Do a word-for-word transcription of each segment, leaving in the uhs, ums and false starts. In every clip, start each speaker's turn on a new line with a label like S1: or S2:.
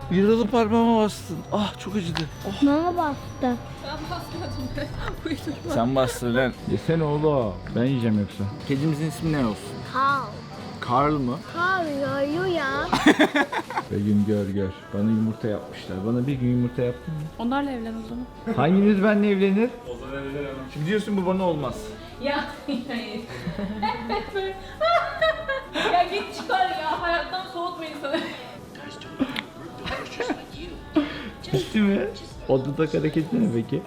S1: Yaralı parmağıma bastın. Ah çok acıdı. Oh.
S2: Bana bastı.
S3: Ben basmadım be. Uydurma.
S1: Sen bastır lan. Yesene oğlum. Ben yiyeceğim yoksa. Kedimizin ismi ne olsun?
S2: Kal.
S1: Karl mı?
S2: Kal yoruyor ya.
S1: Ve gün gör gör. Bana yumurta yapmışlar. Bana bir gün yumurta yaptın mı?
S3: Onlarla evlen o zaman.
S1: Hanginiz benimle evlenir? O zaman evlenemem. Şimdi diyorsun bu bana olmaz.
S3: Ya hayır. Ya git çıkar ya. Hayattan soğutma insanı.
S1: Bitti mi? O dudak hareketi ne peki?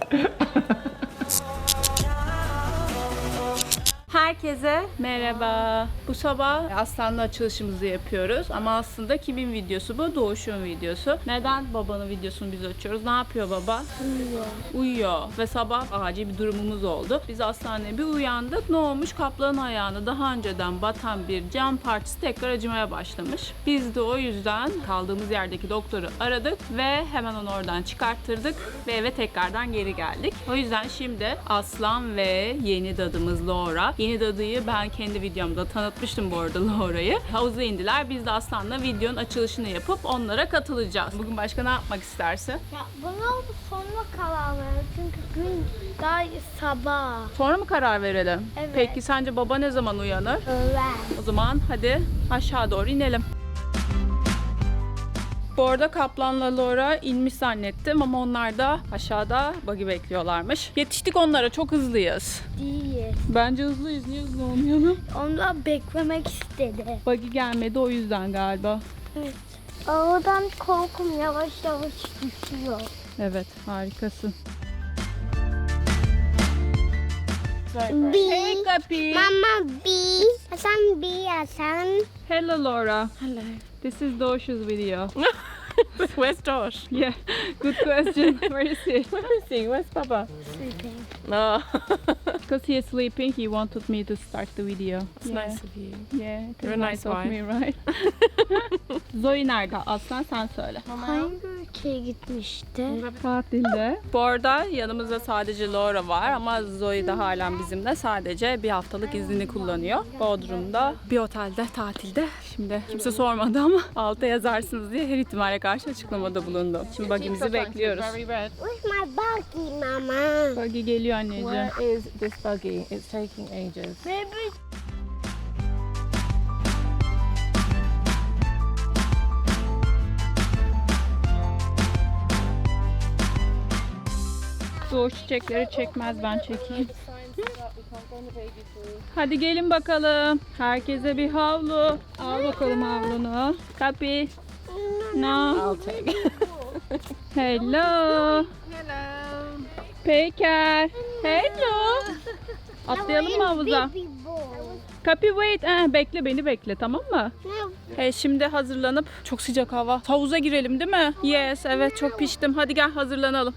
S3: Herkese merhaba. Bu sabah Aslan'la açılışımızı yapıyoruz ama aslında kimin videosu bu? Doğuş'un videosu. Neden babanın videosunu biz açıyoruz? Ne yapıyor baba?
S2: Uyuyor.
S3: Uyuyor ve sabah acil bir durumumuz oldu. Biz hastaneye bir uyandık. Ne olmuş? Kaplanın ayağına daha önceden batan bir cam parçası tekrar acımaya başlamış. Biz de o yüzden kaldığımız yerdeki doktoru aradık ve hemen onu oradan çıkarttırdık ve eve tekrardan geri geldik. O yüzden şimdi Aslan ve yeni dadımız Laura. Yeni dadıyı ben kendi videomda tanıtmıştım bu arada Laura'yı. Havuza indiler. Biz de Aslan'la videonun açılışını yapıp onlara katılacağız. Bugün başka ne yapmak istersin?
S2: Ya buna sonra karar ver. Çünkü gün daha sabah.
S3: Sonra mı karar verelim?
S2: Evet.
S3: Peki sence baba ne zaman uyanır?
S2: Öğlen.
S3: O zaman hadi aşağı doğru inelim. Bu arada Kaplan'la Laura inmiş zannettim ama onlar da aşağıda buggy bekliyorlarmış. Yetiştik onlara, çok hızlıyız.
S2: Değil.
S3: Bence hızlıyız, niye hızlı olmayalım?
S2: Onlar beklemek istedi.
S3: Buggy gelmedi o yüzden galiba.
S2: Evet. Oradan korkum yavaş yavaş düşüyor.
S3: Evet, harikasın.
S2: B.
S3: Hey Kapi.
S2: Mama B. Hasan B. Hasan.
S3: Hello Laura.
S4: Hello.
S3: This is Dosh's video.
S4: Where's Josh?
S3: Yeah, good question. Where is he?
S4: Where is he? Where's Papa?
S2: Sleeping.
S4: Oh,
S3: Because he is sleeping, he wanted me to start the video.
S4: it's
S3: Yeah.
S4: nice of you.
S3: Yeah, it
S4: You're
S3: is
S4: a
S3: nice
S4: nice
S3: of
S4: wife.
S3: me, right? Zoe nerede? Aslan sen söyle.
S2: Hangi ülkeye gitmişti?
S3: Tatilde. Bu arada yanımızda sadece Laura var ama Zoe de halen bizimle. Sadece bir haftalık iznini kullanıyor. Bodrum'da bir otelde tatilde. Şimdi kimse sormadı ama alta yazarsınız diye her ihtimale karşı açıklamada bulundu. Şimdi buggy'mizi bekliyoruz.
S4: Very red.
S2: Where's my buggy, Mama?
S3: Buggy geliyor anneciğim.
S4: Where is this buggy? It's taking ages.
S2: Maybe.
S3: Doğuş çiçekleri çekmez, ben çekeyim. Hadi gelin bakalım. Herkese bir havlu. Al bakalım havlunu. Kapi. No.
S4: I'll take.
S3: Hello.
S4: Hello.
S3: Peker. Hello. Atlayalım mı havuza?
S2: Baby boy.
S3: Kapi wait. Eh, bekle beni bekle, tamam mı?
S2: No.
S3: E, şimdi hazırlanıp çok sıcak hava. Havuza girelim değil mi? Yes, evet çok piştim. Hadi gel hazırlanalım.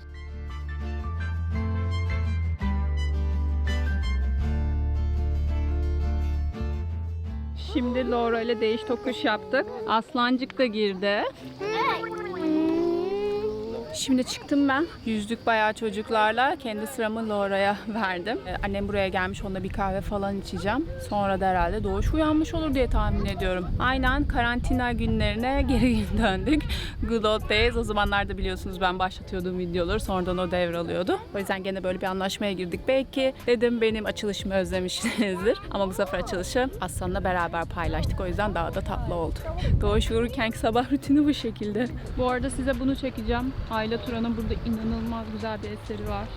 S3: Şimdi Laura ile değiş tokuş yaptık. Aslancık da girdi. Şimdi çıktım ben. Yüzdük bayağı çocuklarla. Kendi sıramı Laura'ya verdim. Ee, annem buraya gelmiş, onunla bir kahve falan içeceğim. Sonra da herhalde Doğuş uyanmış olur diye tahmin ediyorum. Aynen karantina günlerine geri döndük. Good old days. O zamanlarda biliyorsunuz ben başlatıyordum videoları. Sonradan o devralıyordu. O yüzden gene böyle bir anlaşmaya girdik. Belki dedim benim açılışımı özlemişsinizdir. Ama bu sefer açılışı Aslan'la beraber paylaştık. O yüzden daha da tatlı oldu. Doğuş uyurkenki sabah rutini bu şekilde. Bu arada size bunu çekeceğim. Ayla Turan'ın burada inanılmaz güzel bir eseri var.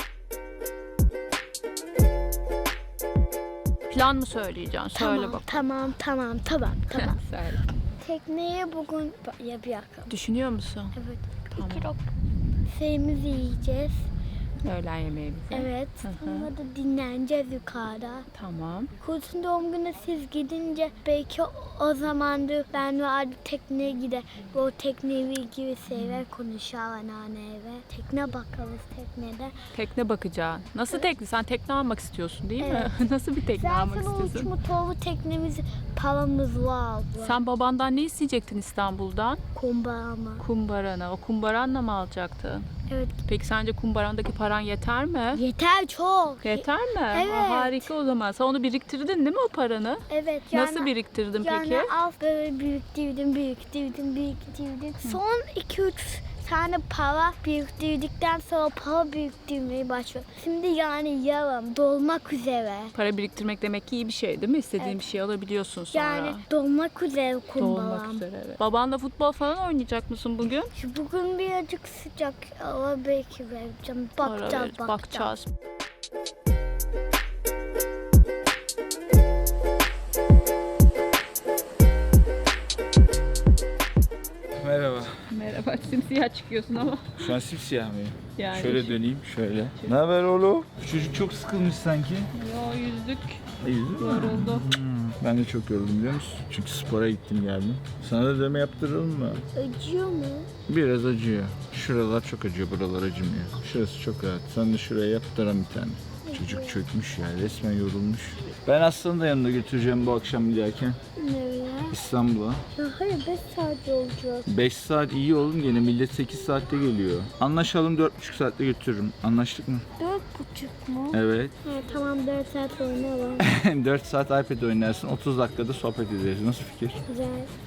S3: Plan mı söyleyeceksin? Söyle
S2: Tamam,
S3: bak.
S2: tamam, tamam, tamam, tamam.
S3: Söyle.
S2: Tekneye bugün ya bir dakika.
S3: Düşünüyor musun?
S2: Evet.
S3: Tamam.
S2: İki lok şeyimizi yiyeceğiz.
S3: Öğlen yemeğimizi.
S2: Evet.
S3: Hı hı.
S2: Sonra da dinleneceğiz yukarıda.
S3: Tamam.
S2: Kursun doğum günü siz gidince belki o zamandır ben ve abi tekneye gider. O tekneyle ilgili şeyler konuşar anneanneyle. Tekne bakarız teknede.
S3: Tekne bakacaksın. Nasıl tekne? Sen tekne almak istiyorsun değil mi? Nasıl bir tekne almak
S2: Zaten o
S3: istiyorsun?
S2: uç motorlu teknemiz paramız var.
S3: Sen babandan ne isteyecektin İstanbul'dan?
S2: kumbaramı.
S3: Kumbaranı. O kumbaranla mı alacaktın?
S2: Evet.
S3: Peki sence kumbarandaki paran yeter mi?
S2: Yeter çok.
S3: Yeter mi?
S2: Evet.
S3: Aa, harika o zaman. Sen onu biriktirdin değil mi o paranı?
S2: Evet. Yani,
S3: Nasıl biriktirdin
S2: yani
S3: peki?
S2: az böyle biriktirdim, biriktirdim, biriktirdim. Son iki üç tane para biriktirdikten sonra para biriktirmeye başladım. Şimdi yani yarım dolmak üzere.
S3: Para biriktirmek demek ki iyi bir şey değil mi? İstediğin
S2: Evet.
S3: bir şey alabiliyorsun sonra.
S2: Yani dolmak üzere kumbaram.
S3: Dolmak üzere evet. Babanla futbol falan oynayacak mısın bugün?
S2: Şu bugün birazcık sıcak ama belki vereceğim.
S3: Ara
S2: Bakacağız,
S3: ver-
S2: bakacağız.
S3: bakacağız.
S1: Merhaba.
S3: Merhaba. Simsiyah çıkıyorsun ama.
S1: Şu an simsiyah mıyım?
S3: Yani
S1: Şöyle döneyim, şöyle. Ne haber oğlum? Bu çocuk çok sıkılmış sanki.
S3: Yo yüzdük.
S1: İyi değil mi?
S3: Yoruldu.
S1: Ben de çok yoruldum biliyor musun? Çünkü spora gittim geldim. Sana da dövme yaptıralım mı?
S2: Acıyor mu?
S1: Biraz acıyor. Şuralar çok acıyor, buralar acımıyor. Şurası çok rahat. Sen de şuraya yaptıran bir tane. Çocuk çökmüş ya, resmen yorulmuş. Ben Aslan'ı da yanında götüreceğim bu akşam giderken.
S2: Nereye?
S1: İstanbul'a.
S2: Ya hayır beş saat olacak.
S1: beş saat iyi oğlum, gene millet sekiz saatte geliyor. Anlaşalım, dört buçuk saatte götürürüm. Anlaştık mı?
S2: Dört buçuk mu?
S1: Evet.
S2: Evet tamam dört saat oynayalım.
S1: dört saat iPad oynarsın, otuz dakikada sohbet ederiz. Nasıl fikir?
S2: Güzel.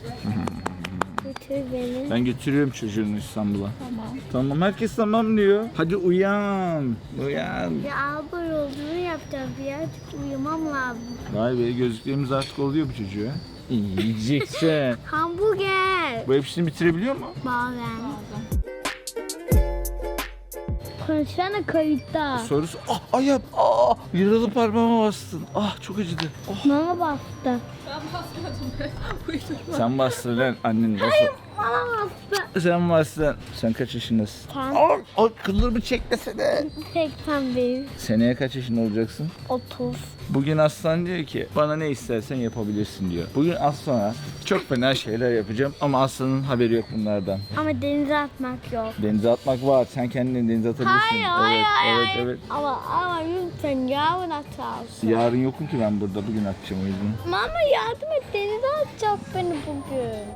S2: Götür beni.
S1: Ben götürüyorum çocuğunu İstanbul'a.
S3: Tamam.
S1: Tamam, herkes tamam diyor. Hadi uyan. Uyan.
S2: Ya abur olduğunu yapacağım. Birazcık uyumam lazım.
S1: Vay be, gözlüklerimiz artık oluyor bu çocuğa. Yiyeceksin.
S2: Hamburger.
S1: Bu hepsini bitirebiliyor mu?
S2: Bazen. Konuşsana kayıtta.
S1: Sorusu, ah ayağım, ah yaralı parmağıma bastın. Ah çok acıdı. Oh.
S2: Bana bastı.
S1: Sen bastın lan annen nasıl?
S2: Bana bastı.
S1: Sen bastın. Sen kaç yaşındasın?
S2: Sen
S1: Ah, ah kıllarımı çekmesene.
S2: seksen bir.
S1: Seneye kaç yaşında olacaksın?
S2: otuz.
S1: Bugün Aslan diyor ki bana ne istersen yapabilirsin diyor. Bugün Aslan'a çok fena şeyler yapacağım ama Aslan'ın haberi yok bunlardan.
S2: Ama denize atmak yok.
S1: Denize atmak var. Sen kendini denize atabilirsin.
S2: Hayır, hayır,
S1: evet,
S2: hayır.
S1: evet,
S2: hayır.
S1: evet.
S2: Ama, ama lütfen yarın atarsın.
S1: Yarın yokum ki ben burada. Bugün atacağım o yüzden.
S2: Mama yardım et, denize atacak beni bugün.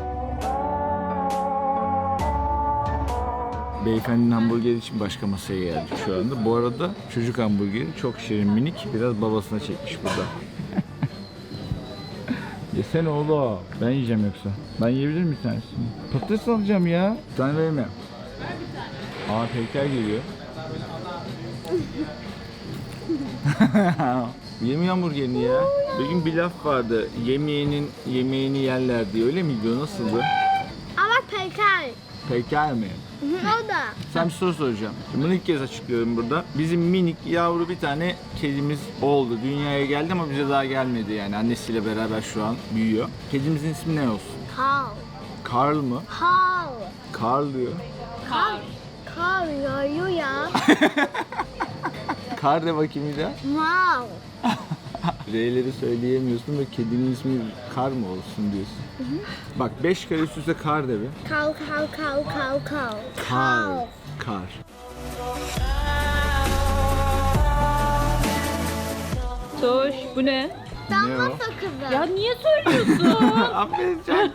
S1: Beyefendinin hamburgeri için başka masaya geldik şu anda. Bu arada çocuk hamburgeri çok şirin, minik. Biraz babasına çekmiş burada. Yesene oğlum. Ben yiyeceğim yoksa. Ben yiyebilir miyim bir tanesini? Patates alacağım ya. Bir tane vereyim mi? Aa Peyker geliyor. Yemiyor hamburgerini ya. Bir gün bir laf vardı. Yemeğinin yemeğini yerler diye. Öyle miydi o? Nasıldı?
S2: Ama peker.
S1: Peyker mi?
S2: O da.
S1: Sen bir soru soracağım. Şimdi bunu ilk kez açıklıyorum burada. Bizim minik yavru bir tane kedimiz oldu. Dünyaya geldi ama bize daha gelmedi yani. Annesiyle beraber şu an büyüyor. Kedimizin ismi ne olsun?
S2: Kal.
S1: Karl mı?
S2: Kal.
S1: Karl diyor.
S2: Kal. Kal yağıyor ya.
S1: Kar de bakayım bir daha.
S2: Mal.
S1: R'leri söyleyemiyorsun ve kedinin ismi Kar mı olsun diyorsun. Bak beş kare üst üste Kar de bir.
S2: Kal kal kal kal kal.
S1: Kar. Kar.
S3: Toş bu ne?
S1: Ne
S2: Damla
S1: o?
S2: sakızı.
S3: Ya niye söylüyorsun?
S1: Aferin can.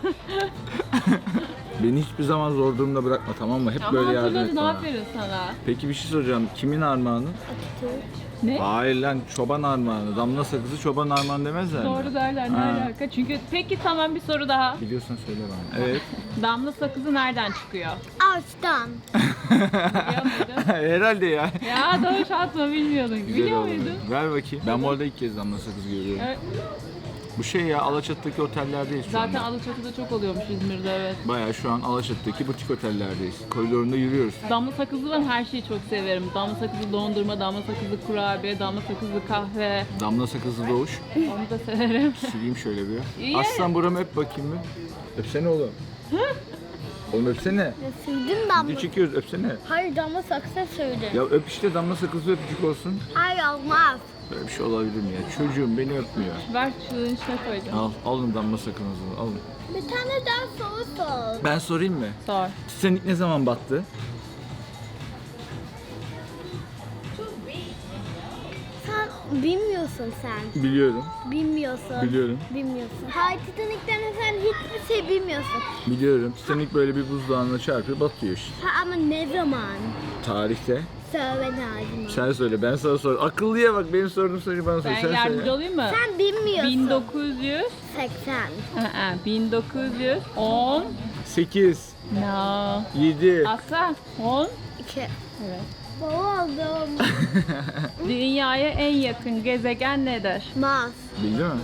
S1: Beni hiçbir zaman zor durumda bırakma, tamam mı? Hep
S3: Ama
S1: böyle yardım et
S3: hatırladın,
S1: bana.
S3: aferin sana.
S1: Peki bir şey soracağım. Kimin armağanı?
S3: Ne?
S1: Hayır lan, çoban armağanı. Damla sakızı çoban armağanı demezler mi?
S3: Doğru derler ne
S1: Ha.
S3: alaka? Çünkü peki tamam bir soru daha.
S1: Biliyorsan söyle bana. Evet.
S3: Damla sakızı nereden çıkıyor?
S2: Ağaçtan.
S3: Biliyor muydun?
S1: Herhalde ya.
S3: Ya doğru atma bilmiyordun.
S1: Güzel
S3: Biliyor
S1: oldu.
S3: muydun?
S1: Ver bakayım. Ben bu arada ilk kez damla sakız görüyorum.
S3: Evet.
S1: Bu şey ya, Alaçatı'daki otellerdeyiz şu
S3: Zaten
S1: anda.
S3: Alaçatı'da çok oluyormuş İzmir'de evet.
S1: Bayağı şu an Alaçatı'daki butik otellerdeyiz. Koridorunda yürüyoruz.
S3: Damla sakızlı ben her şeyi çok severim. Damla sakızlı dondurma, damla sakızlı kurabiye, damla sakızlı kahve.
S1: Damla sakızı doğuş.
S3: Onu da severim.
S1: Sileyim şöyle bir.
S3: İyi.
S1: Aslan buramı öp bakayım bir. Öpsene oğlum. Oğlum öpsene.
S2: Ya sürdüm damla.
S1: Video çekiyoruz, öpsene.
S2: Hayır damla sakızı sürdüm.
S1: Ya öp işte, damla sakızı öpücük olsun.
S2: Hayır olmaz.
S1: Böyle bir şey olabilir mi ya? Çocuğum beni öpmüyor.
S3: Ver şunun içine koyacağım.
S1: Al, alın damla sakızınızı, alın.
S2: Bir tane daha soru sor.
S1: Ben sorayım mı?
S3: Sor.
S1: Titanik ne zaman battı?
S2: Sen Bilmiyorsun sen.
S1: Biliyorum.
S2: Bilmiyorsun.
S1: Biliyorum.
S2: Bilmiyorsun. Hayır, Titanic'ten sen hiçbir şey bilmiyorsun.
S1: Biliyorum. Titanic böyle bir buzdağına çarpıyor, batıyor işte.
S2: Ha, ama ne zaman?
S1: Tarihte.
S2: Söyle lazım.
S1: Sen söyle, ben sana sor. Akıllıya bak, benim sorduğum soruyu bana sor.
S3: Ben
S1: Sen
S3: yardımcı
S1: söyle.
S3: olayım mı?
S2: Sen bilmiyorsun.
S3: bin dokuz yüz
S2: seksen.
S3: Aa, bin dokuz yüz on
S1: sekiz,
S3: No.
S1: yedi.
S3: Asla on
S2: iki.
S3: Evet.
S2: Boğuldum.
S3: Dünyaya en yakın gezegen nedir?
S2: Mars.
S1: Bildi mi?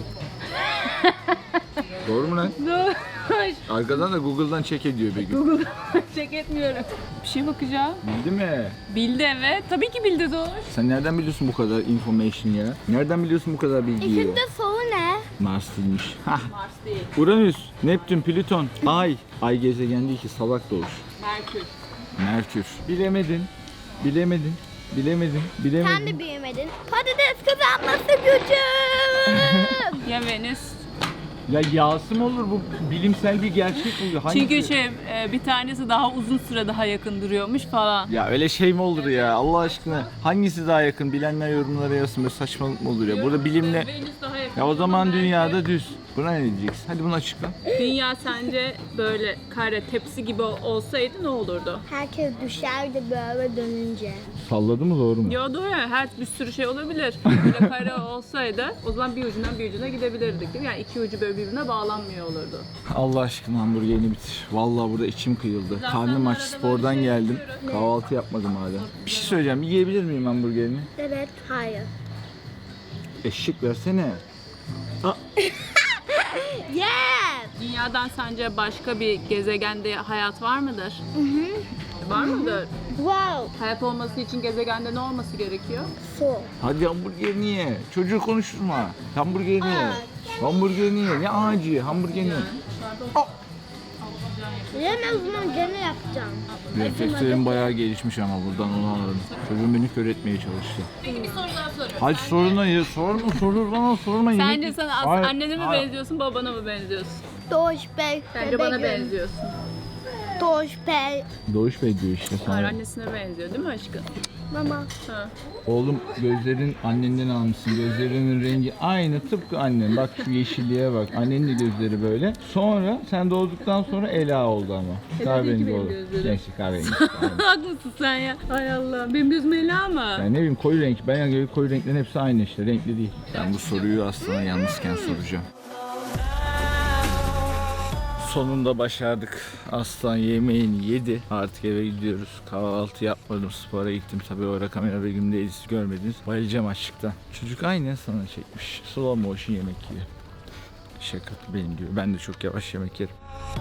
S1: Doğru mu lan?
S3: Dur.
S1: Arkadan da Google'dan check ediyor Begüm.
S3: Google check etmiyorum. Bir şey bakacağım.
S1: Bildi mi?
S3: Bildi evet. Tabii ki bildi doğru.
S1: Sen nereden biliyorsun bu kadar information ya? Nereden biliyorsun bu kadar bilgiyi?
S2: İkinci soru ne?
S1: Mars değilmiş. Hah.
S3: Mars değil.
S1: Uranüs, Neptün, Plüton, Ay. Ay gezegen değil ki, salak doğuş.
S3: Merkür.
S1: Merkür. Bilemedin. Bilemedin. Bilemedin. Bilemedin.
S2: Sen de büyümedin. Patates kızartması gücüm.
S3: Ya Venüs.
S1: Ya yağsı mı olur, bu bilimsel bir gerçek bu. Hangisi?
S3: Çünkü şey e, bir tanesi daha uzun süre daha yakın duruyormuş falan.
S1: Ya öyle şey mi olur ya, Allah aşkına? Hangisi daha yakın? Bilenler yorumlara yazsın, böyle saçmalık mı olur ya? Burada bilimle...
S3: Venüs daha yakın.
S1: Ya o zaman dünyada düz. Buna ne diyeceksin? Hadi bunu açıkla.
S3: Dünya sence böyle kare tepsi gibi olsaydı ne olurdu?
S2: Herkes düşerdi böyle dönünce.
S1: Salladı mı, doğru mu?
S3: Ya doğru ya, her bir sürü şey olabilir. Böyle kare olsaydı o zaman bir ucundan bir ucuna gidebilirdik değil mi? Yani iki ucu böyle birbirine bağlanmıyor olurdu.
S1: Allah aşkına hamburgerini bitir. Vallahi burada içim kıyıldı.
S3: Zaten
S1: Karnım aç,
S3: arada
S1: spordan
S3: böyle şey
S1: geldim.
S3: yapıyorum.
S1: Kahvaltı yapmadım hala. Bir şey söyleyeceğim, yiyebilir miyim hamburgerini?
S2: Evet, hayır.
S1: Eşek versene.
S2: Yes!
S3: Dünyadan sence başka bir gezegende hayat var mıdır?
S2: Hı hı.
S3: Var mıdır?
S2: Wow.
S3: Hayat olması için gezegende ne olması gerekiyor?
S2: Su.
S1: Hadi hamburgerini ye. Çocuğu konuşturma. Hamburgerini ye.
S2: Ağaç.
S1: Hamburgerini ye. Ne ağacı? Hamburgerini ye.
S2: Yemez zaman gene yapacağım.
S1: Reflekslerim bayağı gelişmiş ama buradan onu anladım. Çocuğum beni kör etmeye çalıştı.
S3: Peki bir soru daha soruyorum.
S1: Hadi soruna ya. Sorma, sorur bana sorma.
S3: Sence
S1: Yemek-
S3: sen as-
S1: Hayır,
S3: annene mi
S1: hayır.
S3: benziyorsun, babana mı benziyorsun?
S2: Doğuş Bey.
S3: Bence bana
S2: bebeğim.
S3: benziyorsun.
S2: Doğuş Bey.
S1: Doğuş Bey diyor işte
S3: Hayır,
S1: sana.
S3: annesine benziyor değil mi aşkım?
S2: Mama.
S3: Ha.
S1: Oğlum gözlerin annenden almışsın. Gözlerinin rengi aynı, tıpkı annen. Bak şu yeşilliğe bak. Annenin de gözleri böyle. Sonra sen doğduktan sonra Ela oldu ama.
S3: değil ki
S1: Kahverengi
S3: benim
S1: oldu.
S3: gözlerim.
S1: Neyse kahverengi.
S3: Haklısın sen ya. Hay Allah. Benim gözüm Ela mı?
S1: Yani ne bileyim, koyu renk. Ben yani koyu renklerin hepsi aynı işte. Renkli değil. Ben bu soruyu aslında yalnızken soracağım. Sonunda başardık. Aslan yemeğini yedi. Artık eve gidiyoruz. Kahvaltı yapmadım. Spora gittim. Tabii o ara kamera Begüm'deyiz. Görmediniz. Bayılacağım açlıktan. Çocuk aynı sana çekmiş. Slow motion yemek yiyor. Şaka benim gibi. Ben de çok yavaş yemek yerim.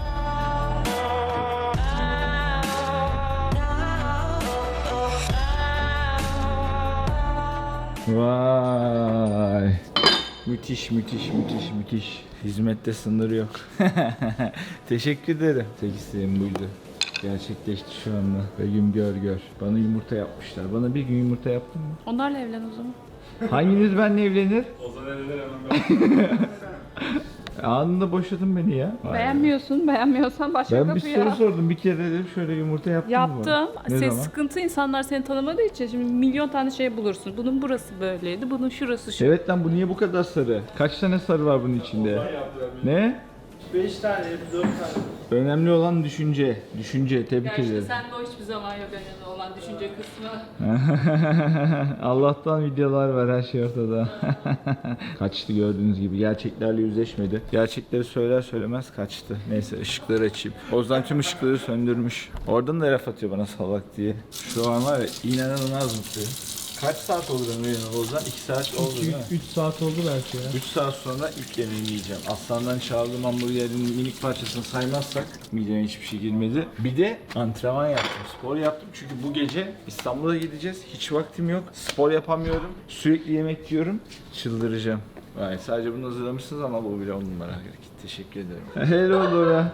S1: Vay. Müthiş, müthiş, müthiş, müthiş. Hizmette sınır yok. Teşekkür ederim. Tek isteğim buydu. Gerçekleşti şu anda. Begüm gör gör. Bana yumurta yapmışlar. Bana bir gün yumurta yaptın mı?
S3: Onlarla evlen o zaman.
S1: Hanginiz benimle evlenir? Ozan evlenir hemen. Anında boşadın beni ya. Vay be.
S3: Beğenmiyorsun. Beğenmiyorsan başka
S1: Ben bir
S3: kapıya.
S1: soru sordum. Bir kere dedim şöyle yumurta yaptın mı?
S3: Yaptım.
S1: bana? Ne
S3: Ses
S1: zaman?
S3: sıkıntı, insanlar seni tanımadığı için şimdi milyon tane şey bulursun. Bunun burası böyleydi, bunun şurası şu.
S1: Evet lan, bu niye bu kadar sarı? Kaç tane sarı var bunun içinde? Ne?
S5: beş tane, dört tane.
S1: Önemli olan düşünce. Düşünce. Tebrik
S3: Gerçi
S1: ederim.
S3: sende o hiçbir zaman yok önemli olan düşünce kısmı.
S1: Allah'tan videolar var, her şey ortada. Kaçtı gördüğünüz gibi. Gerçeklerle yüzleşmedi. Gerçekleri söyler söylemez kaçtı. Neyse ışıkları açayım. Ozan tüm ışıkları söndürmüş. Oradan da laf atıyor bana salak diye. Şu an var ya, inanılmaz mutluyum. Kaç saat oldu ben uyanılı Ozan? iki saat oldu değil mi?
S5: üç saat oldu belki ya.
S1: üç saat sonra ilk yemeğimi yiyeceğim. Aslandan çaldığım hamburgerin minik parçasını saymazsak mideme hiçbir şey girmedi. Bir de antrenman yaptım, spor yaptım. Çünkü bu gece İstanbul'a gideceğiz. Hiç vaktim yok. Spor yapamıyorum. Sürekli yemek yiyorum. Çıldıracağım. Vay, sadece bunu hazırlamışsınız ama bu bile on numara hareket. Teşekkür ederim. Hello Dora.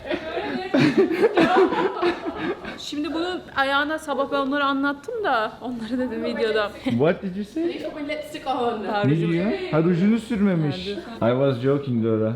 S3: Şimdi bunun ayağına sabah ben onları anlattım da onları dedim videoda.
S1: What did you say?
S3: Lipstick on.
S1: Ne diyor? Ha, rujunu sürmemiş. I was joking Dora.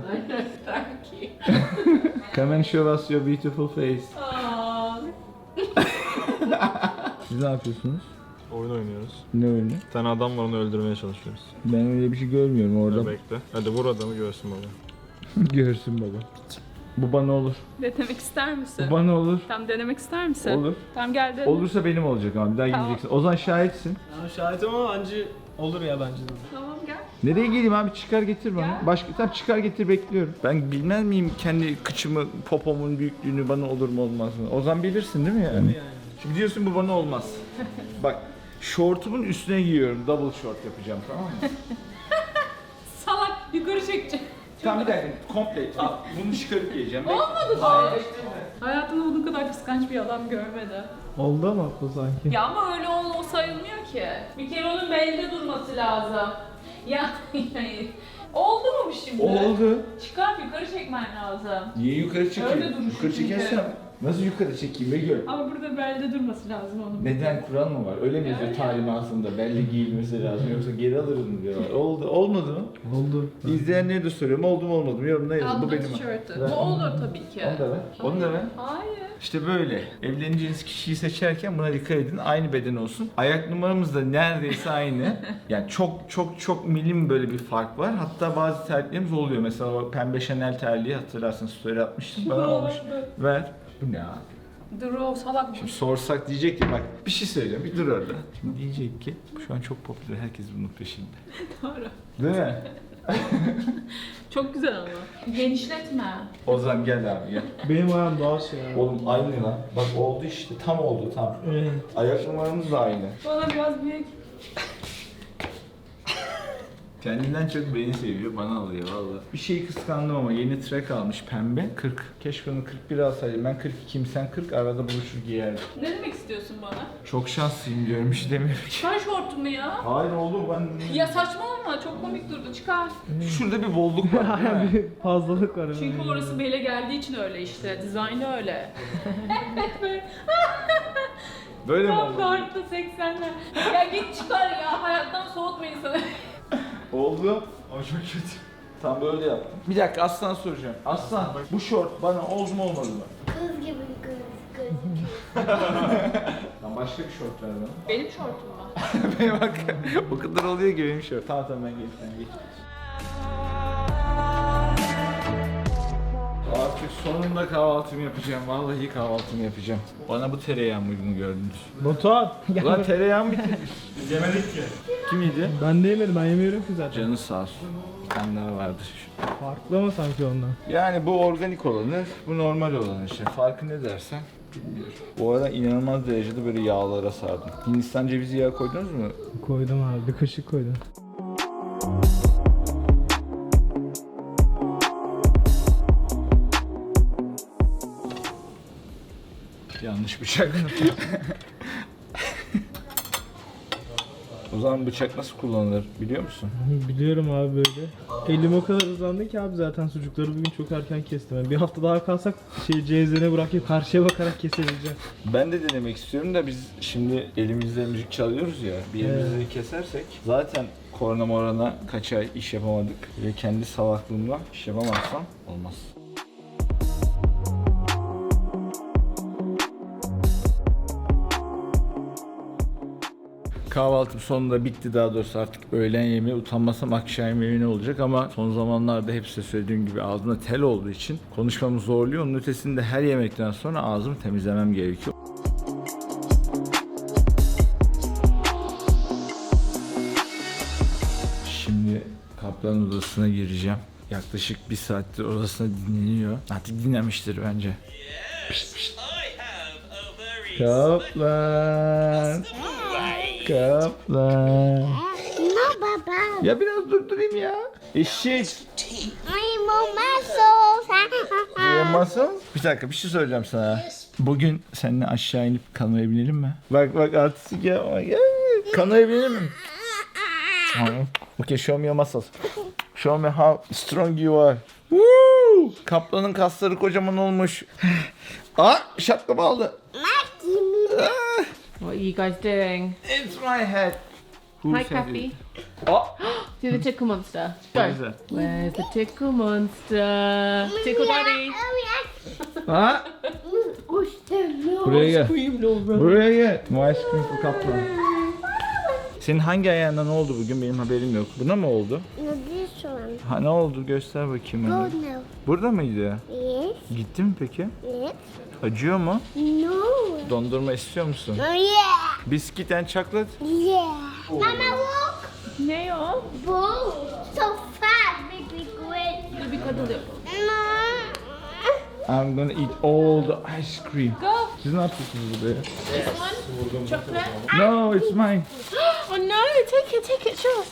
S1: Come and show us your beautiful face. Siz ne yapıyorsunuz?
S6: Oyun oynuyoruz.
S1: Ne oyunu?
S6: Bir tane adam var, onu öldürmeye çalışıyoruz.
S1: Ben öyle bir şey görmüyorum orada.
S6: Bekle. Hadi vur adamı, görsün baba.
S1: Görsün baba. Bu bana olur.
S3: Denemek ister misin?
S1: Bu bana olur.
S3: Tam denemek ister misin?
S1: Olur.
S3: Tam gel dene.
S1: Olursa benim olacak ama bir daha
S3: Tamam.
S1: gideceksin. Ozan şahitsin.
S5: Ya şahitim ama anca olur ya bence de.
S3: Tamam gel.
S1: Nereye geleyim abi, çıkar getir bana.
S3: Gel.
S1: Başka tam çıkar getir, bekliyorum. Ben bilmez miyim kendi kıçımı, popomun büyüklüğünü, bana olur mu olmaz mı? Ozan bilirsin değil mi yani?
S5: Yani.
S1: Şimdi diyorsun bu bana olmaz. Bak şortumun üstüne giyiyorum, double short yapacağım, tamam mı?
S3: Salak yukarı çekeceğim.
S1: Tamam bir dakika, komple al, bunu çıkarıp giyeceğim.
S3: Olmadı da. Hayatımda bunun kadar kıskanç bir adam görmedim.
S5: Oldu ama bu sanki.
S3: Ya ama öyle ol, o sayılmıyor ki. Bir kere onun belde durması lazım. Ya oldu mu bu şimdi?
S1: Oldu.
S3: Çıkar yukarı çekmen lazım.
S1: Niye yukarı çekeyim?
S3: Öyle duruşu
S1: Yukarı
S3: çünkü.
S1: çekersem nasıl yukarı çekeyim Begül?
S3: Ama burada belde durması lazım onun.
S1: Neden, kural mı var? Öyle mi yazıyor
S3: Öyle.
S1: talimatında? Belli giyilmesi lazım yoksa geri alırız mı diyorlar. Oldu, olmadı mı?
S5: Oldu.
S1: İzleyenlere de soruyorum, oldu mu olmadı mı? Yorumda yazın. Bu
S3: Altına
S1: benim.
S3: tişörtü.
S1: Ver.
S3: Bu olur tabii ki.
S1: Onu da ver. Onu da ver.
S3: Hayır.
S1: İşte böyle. Evleneceğiniz kişiyi seçerken buna dikkat edin. Aynı beden olsun. Ayak numaramız da neredeyse aynı. Yani çok çok çok milim böyle bir fark var. Hatta bazı terliklerimiz oluyor. Mesela o pembe Chanel terliği hatırlarsın, story atmıştım. Bana olmuş. Ver. Bu ne abi?
S3: Dur o salak.
S1: Şimdi sorsak diyecek ki bak bir şey söyleyeceğim, bir dur orada. Şimdi diyecek ki şu an çok popüler, herkes bunun peşinde.
S3: Doğru.
S1: Değil mi?
S3: Çok güzel ama. Genişletme.
S1: Ozan gel abi gel.
S5: Benim ayağım daha şey ya.
S1: Oğlum aynı lan. Bak oldu işte, tam oldu tam.
S5: Evet.
S1: Ayak numaramız da aynı.
S3: Bana biraz büyük.
S1: Kendinden çok beni seviyor, bana alıyor valla. Bir şeyi kıskandım ama yeni track almış pembe, kırk. Keşke onu kırk bir alsaydım. Ben kırk ikiyim, sen kırk, arada buluşur giyerdik.
S3: Ne demek istiyorsun bana?
S1: Çok şanslıyım diyorum, bir şey demiyorum ki.
S3: Çıkar şortumu ya.
S1: Hayır oğlum ben...
S3: Ya saçmalama çok komik durdu çıkar.
S1: Şurada bir bolluk var değil mi?
S5: Bir fazlalık var.
S3: Çünkü
S5: yani.
S3: orası bele geldiği için öyle işte. Dizaynı öyle.
S1: Böyle mi
S3: Tam
S1: oldu?
S3: dörtte seksenler. Ya git çıkar ya. Hayattan soğutma insanı.
S1: Oldu ama çok kötü. Tam böyle yaptım. Bir dakika Aslan soracağım. Aslan bu şort bana oldu mu olmadı mı?
S2: Kız gibi göz gözüküyor.
S1: Lan başka bir şort ver bana.
S3: Benim şortum mu?
S1: Benim bak o kadar oluyor ki benim şort. Tamam tamam ben geç sen geç. Artık sonunda kahvaltımı yapacağım. Vallahi kahvaltımı yapacağım. Bana bu tereyağı mıydığını gördünüz.
S5: Batuhan.
S1: Ulan tereyağım bitirmiş.
S5: Biz yemedik ki.
S1: Kim yedi?
S5: Ben de yemedim, ben yemiyorum ki zaten.
S1: Canı sağ olsun. Bir tane daha vardır.
S5: Farklı ama sanki ondan.
S1: Yani bu organik olanı, bu normal olan işte. Farkı ne dersen bilmiyorum. Bu arada inanılmaz derecede böyle yağlara sardım. Hindistan cevizi yağı koydunuz mu?
S5: Koydum abi, bir kaşık koydum.
S1: Yanlış bıçak. O zaman bıçak nasıl kullanılır biliyor musun?
S5: Biliyorum abi böyle. Elim o kadar hızlandı ki abi, zaten sucukları bugün çok erken kestim. Yani bir hafta daha kalsak şey cezvene bırakıp karşıya bakarak kesebileceğim.
S1: Ben de denemek istiyorum da biz şimdi elimizle müzik çalıyoruz ya, bir elimizi kesersek zaten korna morana kaç ay iş yapamadık ve kendi salaklığımla iş yapamazsam olmaz. Kahvaltım sonunda bitti, daha doğrusu artık öğlen yemeği, utanmasam akşam yemeği ne olacak ama son zamanlarda hep size söylediğim gibi ağzımda tel olduğu için konuşmamı zorluyor. Onun ötesinde her yemekten sonra ağzımı temizlemem gerekiyor. Şimdi kaplan odasına gireceğim. Yaklaşık bir saattir odasında dinleniyor. Artık dinlemiştir bence. Pişt, pişt. Kaplan. Kaplan.
S2: No baba.
S1: Ya biraz durdurayım ya. Eşek.
S2: I'm on muscles.
S1: Yemezsin. Bir dakika bir şey söyleyeceğim sana. Bugün seninle aşağı inip kanoya binelim mi? Bak bak artistik ya. Gel. Kanoya binelim mi? Okay, show me your muscles. Show me how strong you are. Woo! Kaplanın kasları kocaman olmuş. Aa, şapkamı aldı. Ah,
S4: What are you guys doing?
S1: it's my head. Who
S4: Hi,
S1: said
S4: Kathy.
S1: it? Aa,
S4: Do the tickle monster.
S1: what
S4: Go.
S1: is that?
S4: Where's the tickle monster? Tickle daddy.
S1: Ha?
S2: Uçtum.
S1: Buraya gel.
S4: Scream, Laura.
S1: Buraya gel. No ice cream for kaplan. Senin hangi ayağına ne oldu bugün? Benim haberim yok. Buna mı oldu?
S2: No, this one.
S1: Ha ne oldu? Göster bakayım
S2: Go
S1: onu.
S2: now.
S1: Burada mıydı?
S2: Yes.
S1: Gitti mi peki?
S2: Yes.
S1: Acıyor mu?
S2: No.
S1: Dondurma istiyor musun?
S2: Oh yeah.
S1: Biskit and chocolate?
S2: Yeah. Mama walk.
S3: Ne o?
S2: Boom. So fast. Make me great.
S3: Dur bir kadın yapalım.
S2: No.
S1: I'm gonna eat all the ice cream.
S3: Go.
S1: Siz ne yapıyorsunuz burada ya?
S3: This one. Chocolate.
S1: No, it's mine.
S3: Oh no, take it, take it, sure.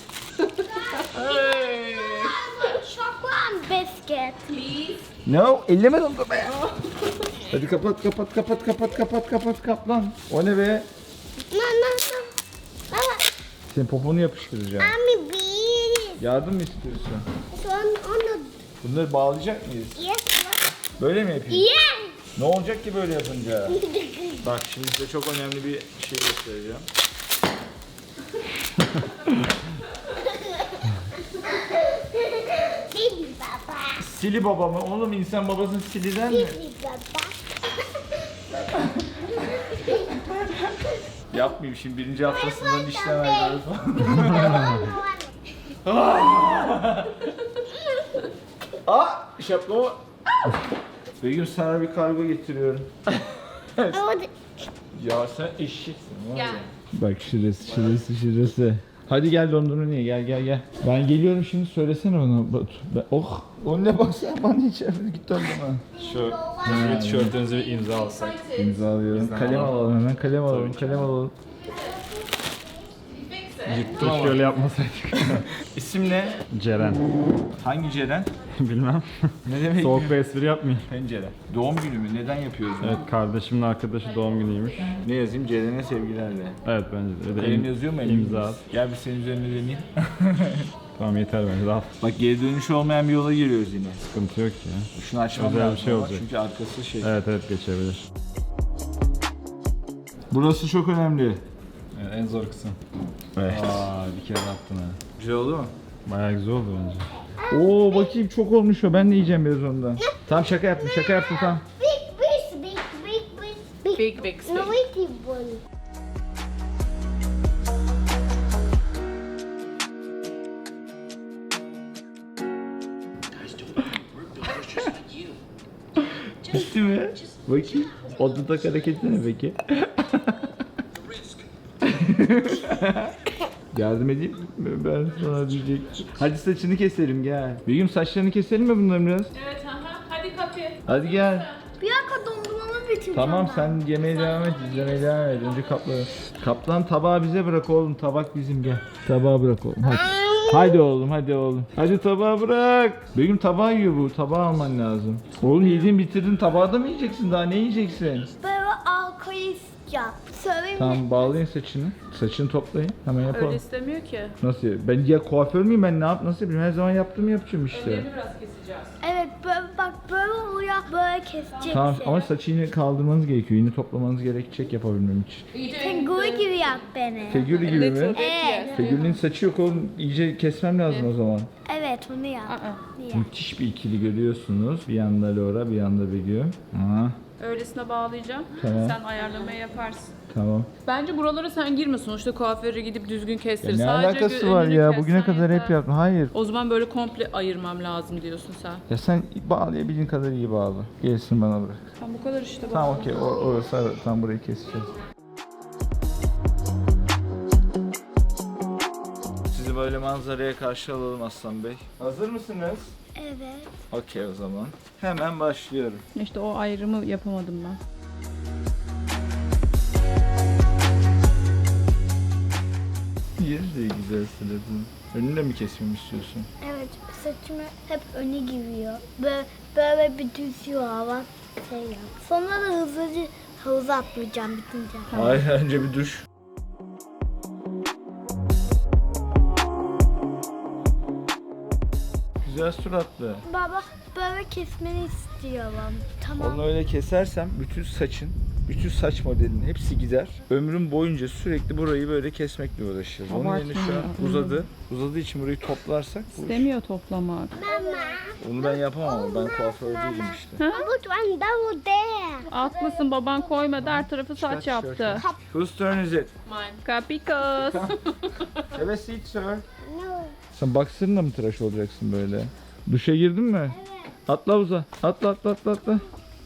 S2: Chocolate biscuit.
S3: Please.
S1: No, elleme dondurmaya. Hadi kapat, kapat, kapat, kapat, kapat, kapat, kaplan. O ne be?
S2: No, no, no. Mama,
S1: Senin poponu yapıştıracağım.
S2: I'm beat.
S1: Yardım mı istiyorsun?
S2: So on, on the
S1: Bunları bağlayacak mıyız?
S2: yes.
S1: Böyle mi yapayım?
S2: Yes.
S1: Ne olacak ki böyle yapınca? Bak şimdi size çok önemli bir şey göstereceğim.
S2: Baby Baba.
S1: Sili baba mı? Oğlum insan babasını sili der mi?
S2: Baby Baba.
S1: Yapmayayım şimdi birinci haftasından işlem veriyoruz falan. Aa şapkamı. Begüm sana bir kargo getiriyorum.
S2: I want
S1: Ya sen eşeksin var ya.
S3: Gel.
S1: Bak şurası şurası şurası. Hadi gel dondurma niye gel gel gel. Ben geliyorum şimdi söylesene ona Batu. Ben, oh o ne bak sen bana içeride git dondurma.
S6: Şu şu tişörtünüzü bir imza alsak.
S1: İmzalıyorum. Kalem alalım hemen kalem alalım kalem alalım.
S6: Yuttum ama. Şöyle yapmasaydık.
S1: İsim ne?
S6: Ceren.
S1: Hangi Ceren?
S6: Bilmem.
S1: Ne demek?
S6: Soğuk bir espri yapmayayım.
S1: Pencere. Doğum günü mü? Neden yapıyoruz bunu?
S6: Evet, kardeşimin arkadaşı doğum günüymüş.
S1: Ne yazayım? Ceren'e sevgilerle.
S6: Evet, bence de. Bir de
S1: Kalem
S6: im-
S1: yazıyor mu
S6: İmza
S1: elimizde?
S6: at.
S1: Gel bir senin üzerine deneyeyim.
S6: Tamam, yeter bence. Daha
S1: Bak geri dönüşü olmayan bir yola giriyoruz yine.
S6: sıkıntı yok ya.
S1: Şunu açmam
S6: Özel bir
S1: lazım
S6: şey
S1: ama
S6: olacak.
S1: çünkü arkası şey.
S6: Evet evet, geçebilir.
S1: Burası çok önemli.
S6: Evet, en zor kısım.
S1: Evet.
S6: Aa, bir kere attın ha.
S1: Güzel oldu mu?
S6: Bayağı güzel oldu bence.
S1: Oo bakayım çok olmuş o. Ben de yiyeceğim biraz ondan. Tamam şaka yaptım şaka yaptım tamam.
S2: big, big, big, big, big,
S3: Big, big,
S2: No,
S3: big.
S2: wait, one.
S1: Bitti mi? Bakayım. O dudak hareketi ne peki? Yardım edeyim mi? Ben sana diyecek. Hadi saçını keselim gel. Begüm saçlarını keselim mi bunların biraz?
S3: Evet, aha. Hadi kapı.
S1: Hadi gel.
S2: Bir dakika dondurmamı bitireceğim.
S1: Tamam
S2: ben.
S1: sen yemeğe devam et, izlemeye devam et. Önce kapları. Kaplan tabağı bize bırak oğlum. Tabak bizim gel. Tabağı bırak oğlum hadi. Hadi oğlum hadi oğlum. Hadi tabağı bırak. Begüm tabağı yiyor bu. Tabağı alman lazım. Oğlum yediğin bitirdin tabağı da mı yiyeceksin? Daha ne yiyeceksin?
S2: Böyle alkolist yap. Söyleyeyim mi?
S1: Tamam bağlayın saçını. Saçını toplayın. Hemen yapalım.
S3: Öyle istemiyor ki.
S1: Nasıl? Ben ya kuaför müyüm ben ne yap nasıl yapayım? Her zaman yaptığımı yapacağım işte.
S3: Ellerini biraz keseceğiz.
S2: Evet böyle bak böyle oluyor böyle keseceksin.
S1: Tamam ama saçı yine kaldırmanız gerekiyor. Yine toplamanız gerekecek yapabilmem için.
S2: Figür gibi yap beni.
S1: Figürü gibi mi?
S2: Evet.
S1: Figürünün saçı yok oğlum. İyice kesmem lazım o zaman.
S2: Evet onu yap.
S3: Aa.
S2: Niye?
S1: Müthiş bir ikili görüyorsunuz. Bir yanda Laura, bir yanda Begüm. Aha,
S3: Öylesine bağlayacağım.
S1: Tamam.
S3: Sen ayarlamayı yaparsın.
S1: tamam.
S3: Bence buralara sen girme. Sonuçta kuaföre gidip düzgün kestir.
S1: Ya ne
S3: Sadece
S1: alakası
S3: gö-
S1: var
S3: önünü
S1: ya?
S3: kessen
S1: Bugüne kadar hep
S3: yeter.
S1: yaptım. Hayır.
S3: O zaman böyle komple ayırmam lazım diyorsun sen.
S1: Ya sen bağlayabildiğin kadar iyi bağla. Gelsin bana bırak.
S3: Tam bu kadar işte. bak.
S1: Tamam okey. Or- orası ara- tam burayı keseceğiz. Sizi böyle manzaraya karşı alalım Aslan Bey. Hazır mısınız?
S2: Evet.
S1: Okey o zaman. Hemen başlıyorum.
S3: İşte o ayrımı yapamadım ben.
S1: Yeri de güzel sıradın. Önünü de mi kesmemi istiyorsun?
S2: Evet saçımı hep öne giriyor. Böyle, böyle bir düzüyor hava şey yap. Sonra da hızlıca havuza atlayacağım bitince.
S1: Hayır önce bir duş. Güzel suratlı.
S2: Baba böyle kesmeni istiyorum. Tamam.
S1: Onu öyle kesersem bütün saçın, bütün saç modelinin hepsi gider. Ömrüm boyunca sürekli burayı böyle kesmekle uğraşırız. Onun yerine şu an uzadı. Uzadığı için burayı toplarsak bu iş-
S3: İstemiyor toplamak.
S2: Mama.
S1: Onu ben yapamam ama ben kuaför değilim işte.
S2: Put one double there.
S3: Haklısın, baban koymadı, her tarafı saç yaptı.
S1: Whose turn is it?
S3: Kapikos.
S1: Have a seat sir.
S2: No.
S1: Sen baksırınla mı tıraş olacaksın böyle? Duşa girdin mi? Evet. Atla havuza. Atla atla atla atla.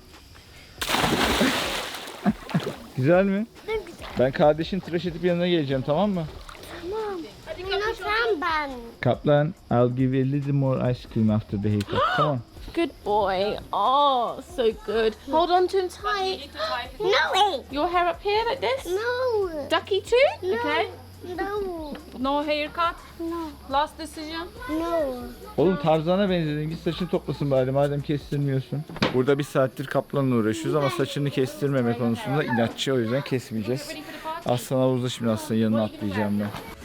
S1: Güzel mi?
S2: Ne güzel.
S1: Ben kardeşin tıraş edip yanına geleceğim, tamam mı?
S2: Tamam. Bunu sen ben.
S1: Kaplan, I'll give you a little more ice cream after the haircut. Come on.
S4: Good boy. Oh, so good. Hold on to him tight.
S2: No way.
S4: Your hair up here like this.
S2: No.
S4: Ducky too?
S2: No.
S4: Okay.
S2: No.
S3: No haircut.
S2: No.
S3: Last decision.
S2: No.
S1: Oğlum Tarzan'a benzedin. Git saçını toplasın bari madem kestirmiyorsun. Burada bir saattir kaplanla uğraşıyoruz ama saçını kestirmeme konusunda inatçı, o yüzden kesmeyeceğiz. Aslan havuzda, şimdi Aslan'ın yanına atlayacağım ben.